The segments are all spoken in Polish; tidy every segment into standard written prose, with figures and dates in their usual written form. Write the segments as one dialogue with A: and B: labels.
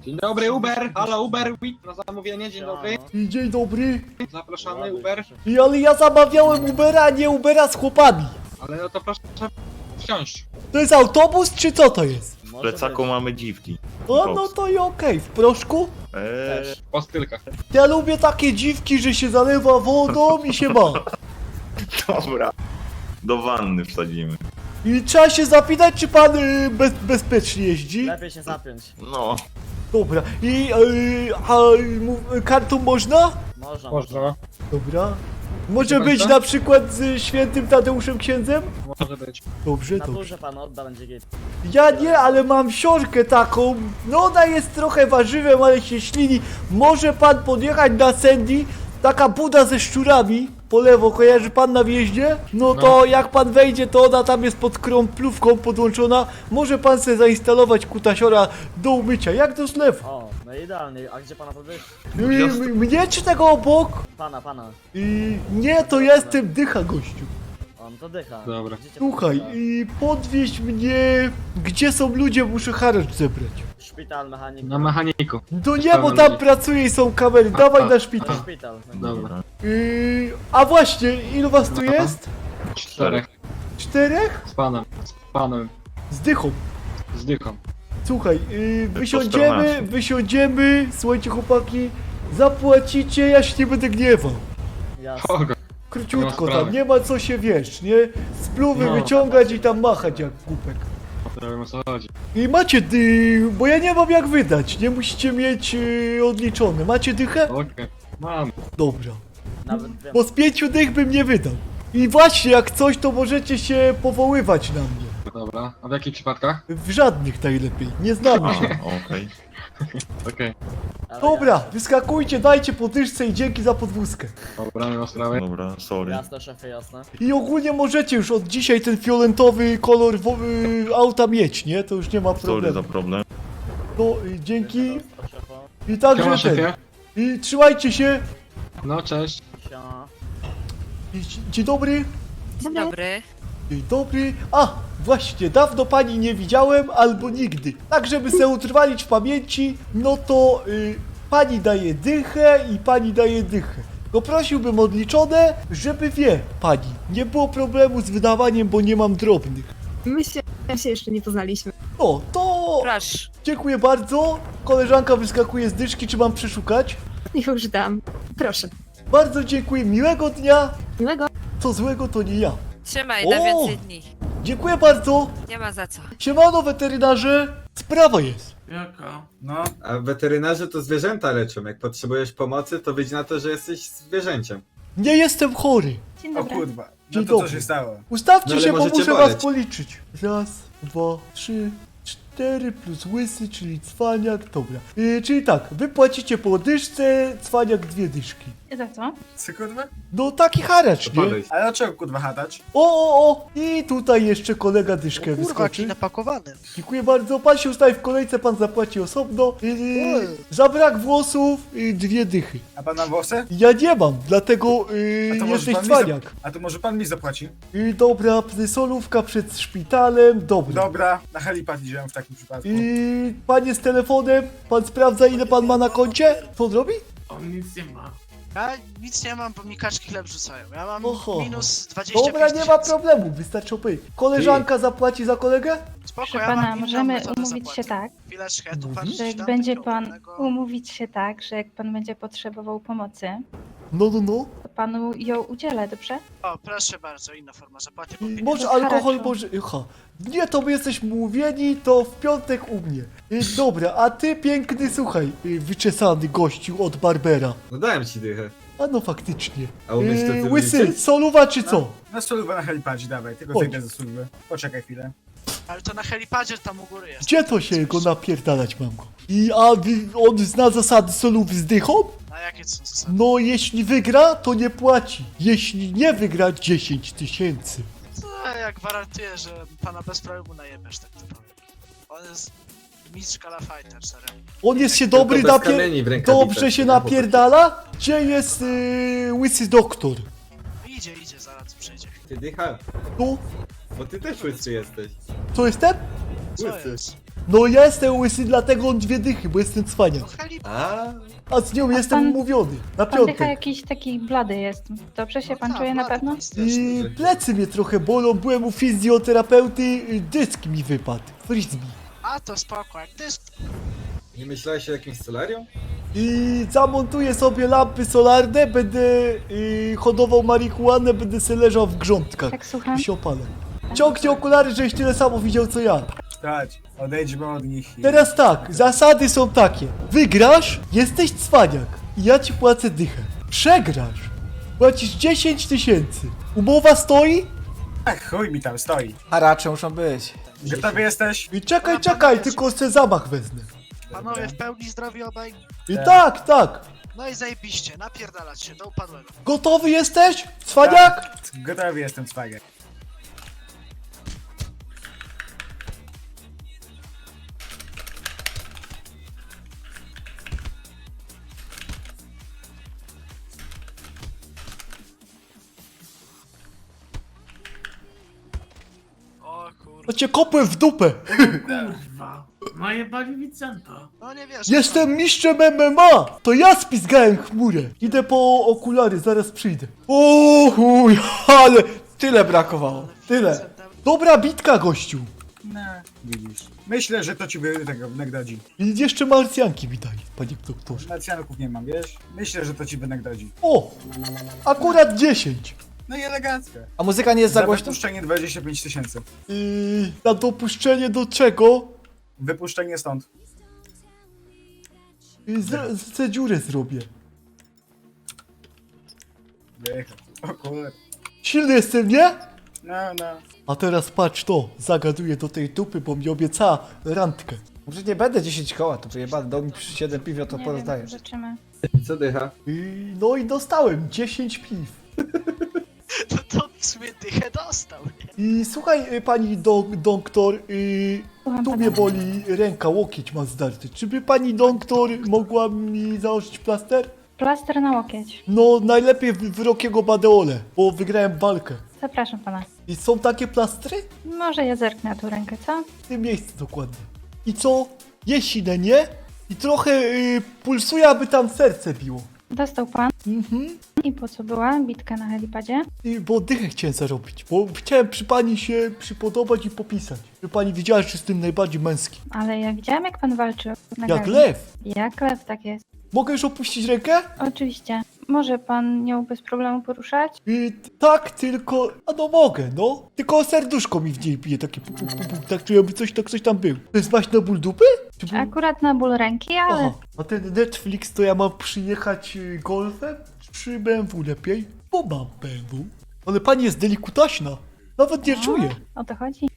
A: Dzień dobry, Uber! Halo, Uber! Na zamówienie, dzień dobry.
B: Dzień dobry.
A: Zapraszamy, Uber.
B: Ale ja zamawiałem Ubera, a nie Ubera z chłopami.
A: Ale no to proszę wsiąść.
B: To jest autobus, czy co to jest?
C: W plecaku mamy dziwki.
B: O, no to i okej. W proszku?
A: Po stylkach.
B: Ja lubię takie dziwki, że się zalewa wodą i się ma.
C: Dobra. Do wanny wsadzimy.
B: I trzeba się zapytać, czy pan bezpiecznie jeździ?
D: Lepiej się zapiąć.
C: No.
B: Dobra. I kartą można?
D: Można.
A: Można.
B: Dobra. Może
A: Proszę
B: być
A: państwa?
B: na przykład z świętym Tadeuszem księdzem?
A: Może być.
B: Dobrze,
D: Na
B: dobrze.
D: górze pan odda, będzie git.
B: Ja nie, ale mam siorkę taką. No ona jest trochę warzywem, ale się ślini. Może pan podjechać na Sandy? Taka buda ze szczurami. Po lewo, kojarzy pan na wjeździe? No to jak pan wejdzie, to ona tam jest pod krąplówką podłączona. Może pan sobie zainstalować kutasiora do umycia, jak do zlewu.
D: O, no idealnie. A gdzie pana podwyż?
B: Mnie czy tego obok?
D: Pana.
B: Nie, to jestem dycha, gościu.
D: O, no to dycha.
A: Dobra.
D: Gdzie cię
B: Słuchaj,
D: podwyższa?
B: podwieź mnie, gdzie są ludzie, muszę haracz zebrać.
D: Szpital, mechanik.
A: Na mechaniku.
B: To nie, bo tam pracuje i są kamery, dawaj na szpital.
D: Szpital.
A: Dobra.
B: A właśnie, ilu was tu
A: No.
B: jest?
A: 4.
B: 4?
A: Z panem.
B: Z dychą.
A: Z dychą.
B: Słuchaj,
C: po
B: wysiądziemy,
C: 14.
B: słuchajcie chłopaki, zapłacicie, ja się nie będę gniewał.
D: Jasne.
A: Kogo?
B: Króciutko
A: Nie ma
B: tam,
A: sprawy.
B: nie ma co się, wiesz, nie? Spluwy
A: No.
B: wyciągać i tam machać jak głupek.
A: Nie wiem o co chodzi.
B: I macie bo ja nie mam jak wydać, nie musicie mieć odliczone. Macie dychę?
A: Okej. Mam.
B: Dobra.
D: Nawet wiem.
B: Bo z 5 dych bym nie wydał. I właśnie, jak coś, to możecie się powoływać na mnie.
A: Dobra. A w jakich przypadkach?
B: W żadnych najlepiej, nie znamy się.
C: Okej.
A: Okej.
D: Ale
B: Dobra, wyskakujcie, dajcie podwyżce i dzięki za podwózkę.
A: Dobra, nie ma sprawy.
C: Dobra, sorry.
D: Jasne, szefie, jasne.
B: I ogólnie możecie już od dzisiaj ten fioletowy kolor auta mieć, nie? To już nie ma
C: Sorry za
B: problemu.
C: problem.
B: No, dzięki.
D: To szefa.
B: I
A: Siema,
B: także ten.
A: szefie.
B: I trzymajcie się.
A: No, cześć.
D: Siema.
B: Dzień dobry.
E: Dzień dobry.
B: Dzień dobry. A, właśnie, dawno pani nie widziałem, albo nigdy. Tak, żeby se utrwalić w pamięci, no to pani daje dychę i pani daje dychę. No prosiłbym odliczone, żeby wie pani, nie było problemu z wydawaniem, bo nie mam drobnych.
E: My się jeszcze nie poznaliśmy.
B: No, to
E: Proszę.
B: dziękuję bardzo. Koleżanka wyskakuje z dyszki, czy mam przeszukać?
E: Już dam. Proszę.
B: Bardzo dziękuję, miłego dnia.
E: Miłego.
B: Co złego to nie ja.
F: Trzymaj
B: O!
F: na więcej dni.
B: Dziękuję bardzo.
F: Nie ma za co.
B: Siemano weterynarze. Sprawa jest.
G: Jaka?
H: No, a weterynarze to zwierzęta leczą. Jak potrzebujesz pomocy, to wyjdź na to, że jesteś zwierzęciem.
B: Nie jestem chory.
E: Dzień
G: O
E: dobry.
G: kurwa,
B: Dzień
G: no to co
B: dobry.
G: się stało?
B: Ustawcie
H: No ale
B: się, bo
H: możecie
B: muszę
H: boleć.
B: was policzyć. Raz, dwa, trzy, 4 plus łysy, czyli cwaniak, dobra. Czyli tak, wy płacicie po dyszce, cwaniak 2 dyszki.
E: Za co?
G: Co kurwa?
B: No taki haracz,
H: To
B: nie?
H: podejdź.
G: Ale o czego kurwa hatać?
B: O! I tutaj jeszcze kolega dyszkę wyskoczy.
I: napakowany.
B: Dziękuję bardzo, pan się ustawi w kolejce, pan zapłaci osobno. Za brak włosów 2 dychy.
G: A pan ma włosy?
B: Ja nie mam, dlatego
G: A to może
B: jesteś
G: pan mi
B: cwaniak.
G: A to może pan mi zapłaci?
B: Dobra, solówka przed szpitalem, dobra.
G: Dobra, na helipad idziemy w takim przypadku.
B: Panie z telefonem, pan sprawdza ile pan ma na koncie? Co on robi?
I: On nic nie ma. Ja nic nie mam, bo mi kaczki chleb rzucają. Ja mam
B: Oho.
I: minus 25
B: Dobra, nie ma
I: tysięcy.
B: problemu, wystarczy opowiedzieć. Koleżanka zapłaci za kolegę?
I: Spoko,
J: Proszę
I: ja mam
J: pana,
I: inną
J: możemy
I: metodę
J: umówić
I: zapłaty.
J: się tak,
I: Chwileczkę, ja tu
B: Mhm.
I: patrzę,
J: że jak
I: dam
J: będzie
I: takiego
J: pan
I: ładnego-
J: umówić się tak, że jak pan będzie potrzebował pomocy,
B: No.
J: to panu ją udzielę, dobrze?
I: O, proszę bardzo, inna forma zapłaty.
B: I
I: bo
B: może
J: bez
B: alkohol,
J: haraczu.
B: może... Nie, to my jesteśmy umówieni, to w piątek u mnie. Dobra, a ty piękny, słuchaj, wyczesany gościu od Barbera.
H: No dałem ci dychę.
B: A no faktycznie.
H: A umiesz to ty
B: Łysy,
H: liczyć?
B: soluwa czy co?
G: Na solówę na helipadzie dawaj, tylko
B: Chodź.
G: zejdę ze służby. Poczekaj chwilę.
I: Ale to na helipadzie tam u góry jest.
B: Gdzie to się go napierdalać mam go? On zna zasady solów z dychą?
I: A jakie to są zasady?
B: No, jeśli wygra, to nie płaci. Jeśli nie wygra, 10 tysięcy.
I: To ja gwarantuję, że pana bez problemu najebiesz, tak to powiem. On jest mistrz Kala Fighter, serio.
B: On jest się
H: Tylko
B: dobry
H: bez kamieni w rękawicach,
B: Dobrze się
H: nie? Bo to-
B: napierdala? Gdzie jest łysy doktor?
I: Idzie, zaraz przyjdzie.
H: Ty dycha,
B: Tu?
H: bo ty też łysy jesteś.
B: Co jest ten?
I: Co
H: Łysy.
I: jest?
B: No ja jestem łysy, dlatego on 2 dychy, bo jestem
I: No
B: cwaniak.
I: heli...
B: A z nią jestem
J: pan-
B: umówiony. Na
J: Pan dycha
B: piątek.
J: jakiś taki blady jest. Dobrze się
I: No
J: pan
I: tak,
J: czuje na
I: ładny
J: pewno?
I: pan straszny.
B: I plecy mnie trochę bolą, byłem u fizjoterapeuty, dysk mi wypadł. Frisbee.
I: A to spoko, jak dysk.
H: Nie myślałeś o jakimś solarium?
B: I zamontuję sobie lampy solarne, będę hodował marihuanę, będę se leżał w grządkach.
J: Tak, słucham.
B: I się opalę. Ciągnij okulary, żeś tyle samo widział co ja.
G: Chodź, odejdźmy od nich.
B: Teraz tak, zasady są takie. Wygrasz, jesteś cwaniak i ja ci płacę dychę. Przegrasz, płacisz 10 000. Umowa stoi?
G: Ach, chuj mi tam stoi.
A: Haracze muszą być.
G: Gotowy jesteś?
B: I czekaj, tylko se zamach wezmę.
I: Panowie w pełni zdrowi obaj.
B: I tak.
I: No i zajebiście, napierdalać się do upadłego.
B: Gotowy jesteś? Cwaniak?
G: Gotowy jestem, cwagę.
I: O kurwa.
B: To cię kopłem w dupę.
F: Kurwa, najebali Vicenta.
I: No nie wiesz.
B: Jestem mistrzem MMA! To ja spizgałem chmurę. Idę po okulary, zaraz przyjdę. O chuj, ale tyle brakowało. Tyle. Dobra bitka, gościu.
G: No, widzisz. Myślę, że to ci tego wynagrodzi.
B: I jeszcze marsjanki mi daj, panie doktorze.
G: Nacjanków nie mam, wiesz? Myślę, że to ci wynagrodzi.
B: O! Akurat 10.
G: No i elegancko.
A: A muzyka nie jest za głośna?
G: wypuszczenie 25 000.
B: Na dopuszczenie do czego?
G: Wypuszczenie stąd.
B: Chcę dziurę zrobię.
G: Wyjechać. O kurde.
B: Silny jestem, nie?
G: No.
B: A teraz patrz to, zagaduję do tej dupy, bo mi obiecała randkę.
A: Może nie będę 10 koła, to przejebane, dał mi przy 7 piwio, to
J: Nie
A: porozdaję.
J: wiem, zobaczymy.
H: Co dycha?
B: No i dostałem 10 piw.
I: No to w sumie dychę dostał.
B: I słuchaj, pani doktor,
J: Słucham
B: tu
J: pana.
B: mnie boli ręka, łokieć ma zdarty. Czy by pani doktor mogła mi założyć plaster?
J: Plaster na łokieć.
B: No, najlepiej w Rockiego Badeole, bo wygrałem walkę.
J: Zapraszam pana.
B: I są takie plastry?
J: Może ja zerknę na tą rękę, co?
B: W tym miejscu dokładnie. I co? Jest silne, nie? I trochę pulsuje, aby tam serce biło.
J: Dostał pan.
B: Mhm.
J: I po co była bitka na helipadzie?
B: Bo dychę chciałem zarobić, bo chciałem przy pani się przypodobać i popisać. Żeby pani wiedziała, że jestem najbardziej męski.
J: Ale ja widziałam, jak pan walczył. na
B: Jak
J: gali.
B: lew.
J: Jak lew, tak jest.
B: Mogę już opuścić rękę?
J: Oczywiście. Może pan nią bez problemu poruszać?
B: Tak, tylko... A no mogę, no. Tylko serduszko mi w niej bije, takie pu, pu, pu, pu, tak czuję, by coś tam był. To jest właśnie na ból dupy? Czy ból...
J: Akurat na ból ręki, ale
B: Aha, a ten Netflix to ja mam przyjechać golfem? Czy BMW lepiej? Bo mam BMW. Ale pani jest delikutaśna. Nawet nie czuję.
J: o to chodzi.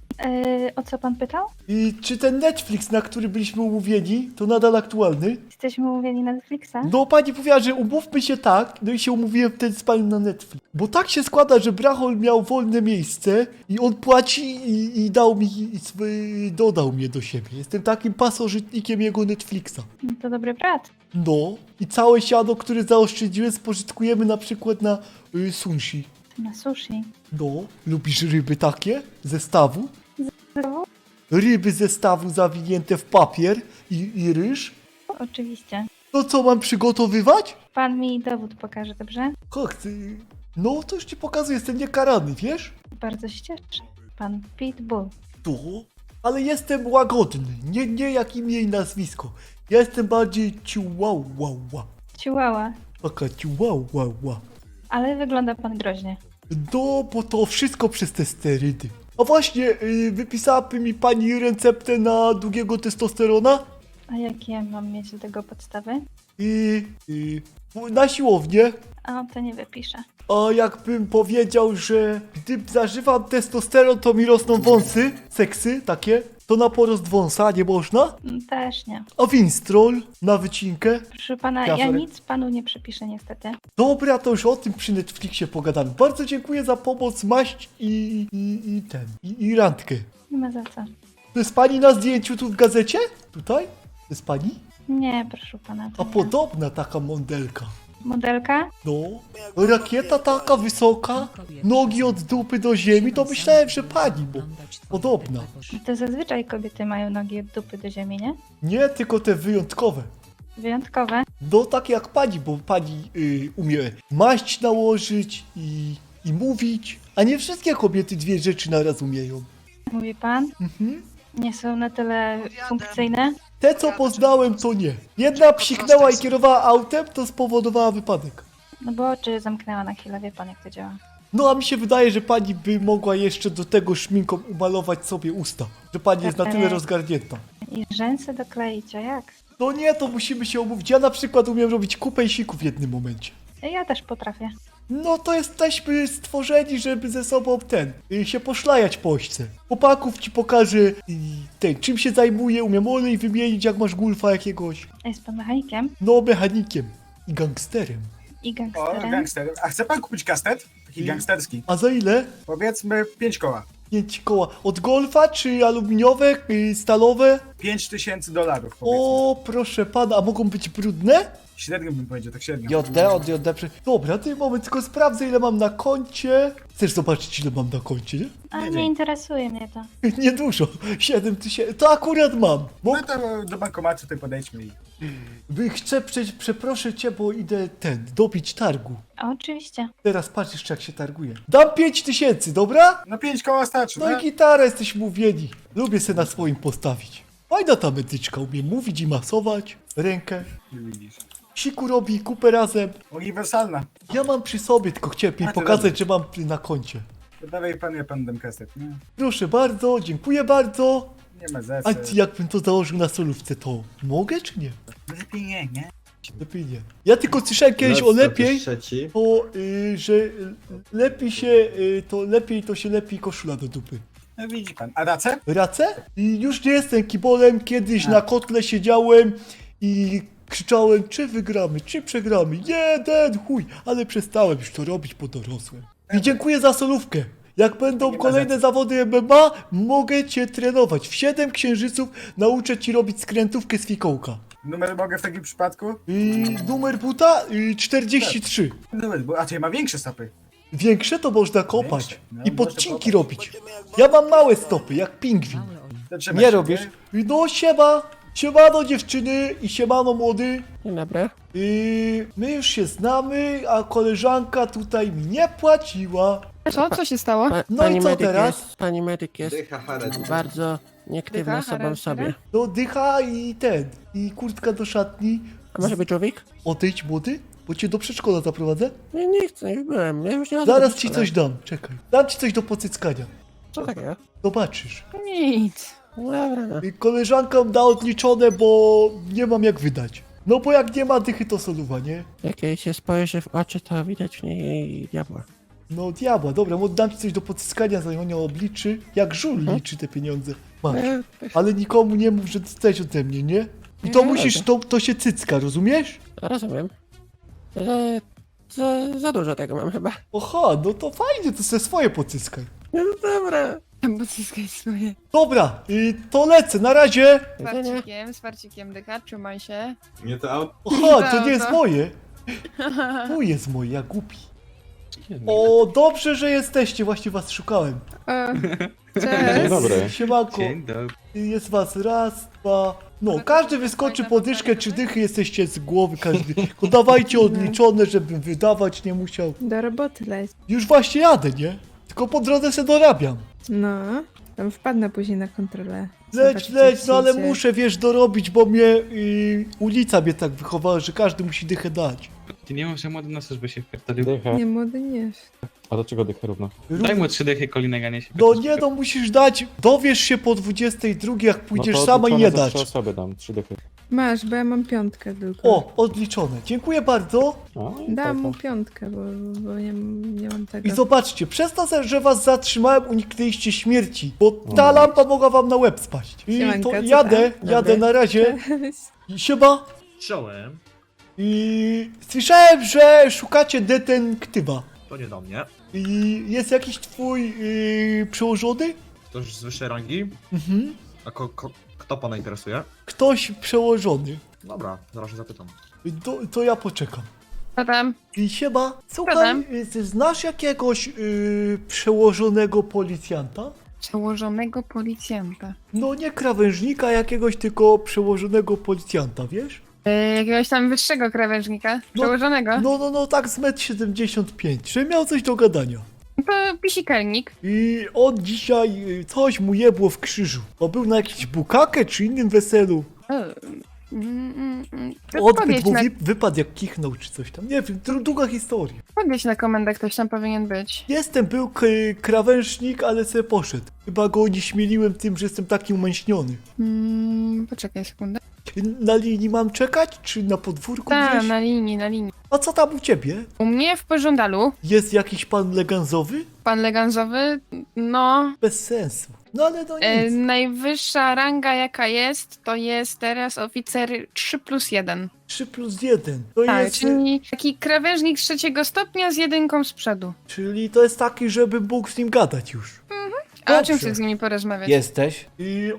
J: O co pan pytał?
B: I czy ten Netflix, na który byliśmy umówieni, to nadal aktualny?
J: Jesteśmy umówieni na Netflixa?
B: No pani powiedziała, że umówmy się tak, no i się umówiłem wtedy z panią na Netflix. Bo tak się składa, że Brachol miał wolne miejsce i on płaci i dał mi, dodał mnie do siebie. Jestem takim pasożytnikiem jego Netflixa.
J: No to dobry brat.
B: No i całe siano, które zaoszczędziłem, spożytkujemy na przykład na sushi.
J: Na sushi.
B: No, lubisz ryby takie? Zestawu?
J: Znowu?
B: Ryby zestawu zawinięte w papier i ryż?
J: Oczywiście.
B: To co, mam przygotowywać?
J: Pan mi dowód pokaże, dobrze?
B: Jak ty? No, to już ci pokazuję, jestem niekarany, wiesz?
J: Bardzo się cieszę. Pan Pitbull.
B: To? Ale jestem łagodny, nie jak imię i nazwisko. Ja jestem bardziej ciułałała.
J: Chihuahua.
B: Taka ciułałała.
J: Ale wygląda pan groźnie.
B: No, bo to wszystko przez te sterydy. A właśnie, wypisałaby mi pani receptę na długiego testosterona?
J: A jakie mam mieć do tego podstawy?
B: Na siłownię.
J: A to nie wypiszę.
B: A jakbym powiedział, że gdy zażywam testosteron, to mi rosną wąsy, seksy takie, to na porost wąsa nie można?
J: Też nie.
B: A winstrol na wycinkę?
J: Proszę pana,
B: Ja
J: ja
B: sorry.
J: nic panu nie przepiszę niestety.
B: Dobra, to już o tym przy Netflixie pogadamy. Bardzo dziękuję za pomoc, maść i randkę.
J: Nie ma za co.
B: To jest pani na zdjęciu tu w gazecie? Tutaj? To jest pani?
J: Nie, proszę pana. To
B: A
J: nie.
B: podobna taka mondelka.
J: Modelka?
B: No, rakieta taka wysoka, nogi od dupy do ziemi, to myślałem, że pani, bo podobna.
J: To zazwyczaj kobiety mają nogi od dupy do ziemi, nie?
B: Nie tylko te wyjątkowe.
J: Wyjątkowe.
B: No takie jak pani, bo pani umie maść nałożyć i mówić, a nie wszystkie kobiety dwie rzeczy naraz umieją.
J: Mówi pan?
B: Mhm.
J: Nie są na tyle funkcyjne?
B: Te co poznałem to nie. Jedna psiknęła i kierowała autem, to spowodowała wypadek.
J: No bo oczy zamknęła na chwilę, wie pan jak to działa.
B: No a mi się wydaje, że pani by mogła jeszcze do tego szminką umalować sobie usta. Że pani jest na tyle rozgarnięta.
J: I rzęsy dokleić, a jak?
B: No nie, to musimy się umówić. Ja na przykład umiem robić kupę i siku w jednym momencie.
J: Ja też potrafię.
B: No to jesteśmy stworzeni, żeby ze sobą się poszlajać po ośce. Chłopaków ci pokażę czym się zajmuje, umiem olej wymienić jak masz gulfa jakiegoś.
J: A jest pan mechanikiem?
B: No mechanikiem i gangsterem.
J: I
G: O,
J: gangsterem?
G: gangster. A chce pan kupić kastet? Taki gangsterski.
B: A za ile?
G: Powiedzmy 5 koła.
B: 5 koła. Od golfa czy aluminiowe, stalowe?
G: $5000 powiedzmy.
B: O, proszę pana, a mogą być brudne?
G: Średnio bym powiedział, tak średnio.
B: JD. Dobra, ty moment, tylko sprawdzę ile mam na koncie. Chcesz zobaczyć ile mam na koncie, nie?
J: A
G: Nie,
J: nie
G: nie.
J: interesuje mnie to.
B: Niedużo. 7000. To akurat mam. Bo
G: No to do bankomatu tutaj podejdźmy i...
B: chcę, przeproszę cię, bo idę dobić targu.
J: A oczywiście.
B: Teraz patrz jeszcze jak się targuje. Dam 5000, dobra?
G: No 5 koła starczy,
B: No i gitara, jesteśmy mówieni. Lubię se na swoim postawić. Fajna ta medyczka, umie mówić i masować. Rękę.
G: Widzisz.
B: Siku robi, kupę razem.
G: Uniwersalna.
B: Ja mam przy sobie, tylko chciałem jej
G: A, to
B: pokazać, że mam na koncie.
G: To dawaj pan, ja pan dam kastet, nie?
B: Proszę bardzo, dziękuję bardzo.
G: Nie ma
B: A
G: zece.
B: jakbym to założył na solówce, to mogę czy nie?
G: Lepiej nie?
B: Lepiej nie. Ja tylko słyszałem kiedyś o
H: Lecz to
B: lepiej,
H: też trzeci.
B: to że lepiej to się lepi koszula do dupy.
G: No widzi pan. A racę?
B: Racę? I już nie jestem kibolem, kiedyś
G: A.
B: na kotle siedziałem i krzyczałem, czy wygramy, czy przegramy. Jeden chuj, ale przestałem już to robić, bo dorosłem. I dziękuję za solówkę. Jak będą
G: Nie ma
B: kolejne
G: za co.
B: zawody MMA, mogę cię trenować. W 7 księżyców nauczę ci robić skrętówkę z fikołka.
G: Numer mogę w takim przypadku?
B: Numer buta 43.
G: Numer, bo a to ja ma większe stopy.
B: Większe to można kopać
G: Większe? No,
B: i
G: można
B: podcinki
G: kopać.
B: robić. Ja mam małe stopy, jak pingwin.
G: To trzeba
B: Nie
G: się,
B: robisz? No siema, siemano dziewczyny i siemano młody.
D: Dzień dobry.
B: My już się znamy, a koleżanka tutaj mi nie płaciła.
E: Co się stało?
B: No i co teraz?
D: Pani medyk jest
H: Dycha Hared.
D: bardzo nieaktywna
E: Dycha,
D: sobą w sobie.
B: No dycha i kurtka do szatni.
D: A może być człowiek?
B: Odejdź młody, bo cię do przedszkola zaprowadzę.
D: Nie chcę, już byłem. Ja już nie chodzę
B: Zaraz
D: do
B: ci
D: szkoły.
B: coś dam, czekaj. Dam ci coś do pocyckania.
D: Co takiego?
B: Zobaczysz.
E: Nic.
D: No dobra, no.
B: Koleżankom da odliczone, bo nie mam jak wydać. No bo jak nie ma dychy, to soluwa, nie?
D: Jak jej się spojrzy w oczy, to widać w niej diabła.
B: No diabła, dobra, dam ci coś do pocyskania, zanim on ją obliczy. Jak żul liczy te pieniądze. Masz. Ale nikomu nie mów, że dostałeś ode mnie, nie? I to musisz, to się cycka, rozumiesz?
D: Rozumiem. Za dużo tego mam chyba.
B: Oha, no to fajnie, to se swoje pocyskaj.
D: No dobra.
E: Bo zyskaj swoje.
B: Dobra, to lecę, na razie.
E: Z farcikiem dycha, trzymaj się.
H: Nie to auto.
B: Oha, to nie jest moje. Tu jest moje, ja głupi. O, dobrze, że jesteście, właśnie was szukałem.
E: Cześć.
C: dobry.
B: Siemanko. Jest was raz, dwa. No, każdy wyskoczy po dyszkę, czy dychy jesteście z głowy, każdy. Tylko dawajcie odliczone, żebym wydawać nie musiał.
E: Do roboty leć.
B: Już właśnie jadę, nie? Tylko po drodze se dorabiam.
E: No, tam wpadnę później na kontrolę.
B: Leć, no ale muszę, wiesz, dorobić, bo mnie ulica mnie tak wychowała, że każdy musi dychę dać.
A: Ty nie mów, że młody nas by się wpierdolił.
C: Dycha.
E: Nie, młody nie.
C: A do czego dycha równo?
A: Daj mu 3 dychy, kolinego nie się.
B: No nie, no musisz dać, dowiesz się po 22, jak pójdziesz sama i nie dać.
C: osoby dam, 3 dychy.
E: Masz, bo ja mam 5 tylko.
B: O, odliczone. Dziękuję bardzo.
E: Dam mu 5, bo nie mam tego.
B: I zobaczcie, przez to, że was zatrzymałem, uniknęliście śmierci, bo ta lampa mogła wam na łeb spaść. I
E: Siemanko,
B: to
E: co
B: jadę
E: tam?
B: na razie.
E: Cześć.
B: Siema.
F: Czołem.
B: I słyszałem, że szukacie detektywa.
F: To nie do mnie.
B: I jest jakiś twój przełożony?
F: Ktoś z wyższej rangi?
B: Mhm.
F: A kto pana interesuje?
B: Ktoś przełożony.
F: Dobra, zaraz się zapytam.
B: To ja poczekam.
E: Co tam?
B: I siema, słuchaj,
E: Siadam.
B: ty znasz jakiegoś przełożonego policjanta?
E: Przełożonego policjanta.
B: No nie krawężnika jakiegoś, tylko przełożonego policjanta, wiesz?
E: Jakiegoś tam wyższego krawężnika?
B: No,
E: Przełożonego?
B: No, tak z 1,75 m, że miał coś do gadania.
E: To pisikelnik.
B: I on dzisiaj coś mu jebło w krzyżu. Bo był na jakimś bukakę czy innym weselu. Odbyt
E: Podjedź
B: mu
E: na,
B: wypadł jak kichnął czy coś tam. Nie wiem, długa historia.
E: podjedź na komendę, ktoś tam powinien być.
B: Był krawężnik, ale se poszedł. Chyba go nie śmieliłem tym, że jestem taki umęśniony.
E: Poczekaj sekundę.
B: Na linii mam czekać, czy na podwórku
E: Tak,
B: gdzieś?
E: na linii.
B: A co tam u ciebie?
E: U mnie w pożądalu,
B: Jest jakiś pan leganzowy?
E: pan leganzowy, no,
B: Bez sensu. No ale no nic.
E: najwyższa ranga jaka jest, to jest teraz oficer 3+1.
B: 3+1. To
E: Tak,
B: jest...
E: czyli taki krawężnik 3 stopnia z jedynką z przodu.
B: Czyli to jest taki, żebym mógł z nim gadać już.
E: A o czym
B: Dobrze.
E: chcesz z nimi porozmawiać?
B: Jesteś? I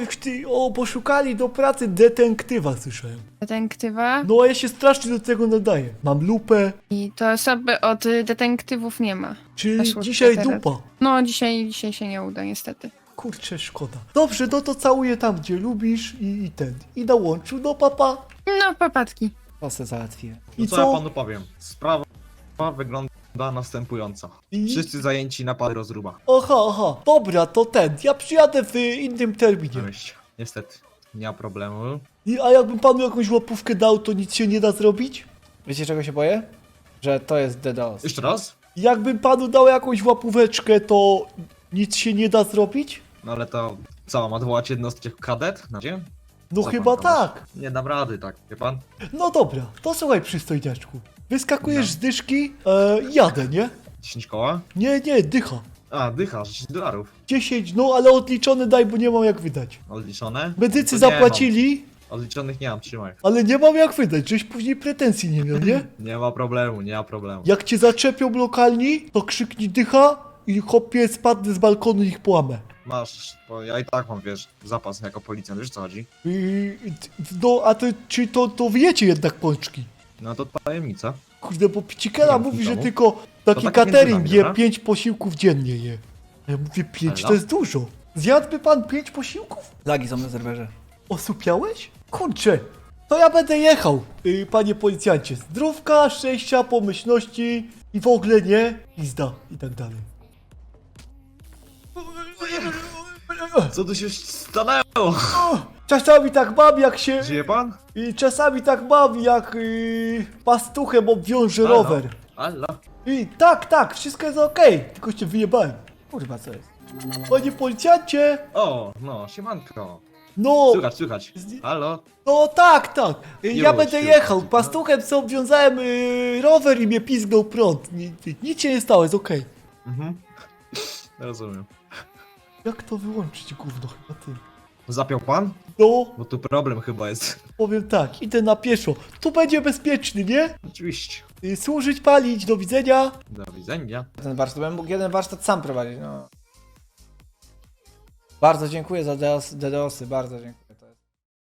B: poszukali do pracy detektywa, słyszałem.
E: Detektywa?
B: No a ja się strasznie do tego nadaję. Mam lupę,
E: I to osoby od detektywów nie ma.
B: czyli
E: Weszło
B: dzisiaj
E: teraz.
B: dupa.
E: No, dzisiaj się nie uda, niestety.
B: Kurczę, szkoda. Dobrze, no to całuję tam, gdzie lubisz i na łączu, no papa.
E: No, papatki.
B: To se załatwię.
F: No
B: I
F: co, ja panu powiem? Sprawa wygląda następująco.
B: I...
F: Wszyscy zajęci na pary rozruba.
B: Aha, dobra, to ja przyjadę w innym terminie.
F: Cześć. Niestety, nie ma problemu.
B: A jakbym panu jakąś łapówkę dał, to nic się nie da zrobić? Wiecie czego się boję? Że to jest DDoS.
F: Jeszcze raz?
B: Jakbym panu dał jakąś łapóweczkę, to nic się nie da zrobić?
F: No ale to co, mam odwołać jednostkę kadet? Na gdzie?
B: No
F: Co
B: chyba
F: pan gadasz?
B: tak.
F: Nie dam rady, tak, wie pan?
B: No dobra, to słuchaj przystojniaczku. Wyskakujesz
F: No.
B: z dyszki, jadę, nie?
F: 10 koła?
B: Nie, dycha.
F: A, dycha, $10.
B: 10, no ale odliczone daj, bo nie mam jak wydać.
F: Odliczone?
B: Medycy
F: To nie
B: zapłacili,
F: mam. Odliczonych nie mam, trzymaj.
B: ale nie mam jak wydać, żeś później pretensji nie miał, nie?
F: Nie ma problemu, nie ma problemu.
B: Jak cię zaczepią lokalni, to krzyknij dycha i chłopie spadnę z balkonu i ich połamę.
F: Masz, bo ja i tak mam, wiesz, zapas jako policjant, wiesz co chodzi?
B: No, a czy to wiecie jednak pączki?
F: No to tajemnica.
B: Kurde, bo Picikela
F: Zamknij
B: mówi, że
F: domu.
B: tylko taki
F: tak
B: catering
F: między nami,
B: je
F: dobra?
B: 5 posiłków dziennie je. A ja mówię 5
F: Elo?
B: to jest dużo. Zjadłby pan 5 posiłków? Lagi są na serwerze. Osupiałeś? Kurczę, to ja będę jechał, panie policjancie. Zdrówka, szczęścia, pomyślności i w ogóle nie, pizda i tak dalej.
F: Co tu się stanęło?
B: Czasami tak mam jak się...
F: Żyje pan?
B: I czasami tak mam jak pastuchem obwiążę
F: Halo?
B: rower.
F: Alla.
B: I tak, wszystko jest okej, tylko się wyjebałem. Kurwa, co jest? Panie policjancie!
F: O, no, siemanko.
B: No,
F: Słychać. Halo?
B: no tak. Ja
F: Już,
B: będę
F: już.
B: jechał. Pastuchem sobie obwiązałem rower i mnie pizgnął prąd. Nic się nie stało, jest okej.
F: Mhm. Rozumiem.
B: Jak to wyłączyć, gówno, chyba ty?
F: Zapiął pan?
B: No,
F: Bo tu problem chyba jest.
B: powiem tak, idę na pieszo. Tu będzie bezpieczny, nie?
F: Oczywiście.
B: Służyć, palić, do widzenia.
F: Do widzenia.
B: Ten warsztat, bym mógł jeden warsztat sam prowadzić, no. Bardzo dziękuję za DDoSy, bardzo dziękuję.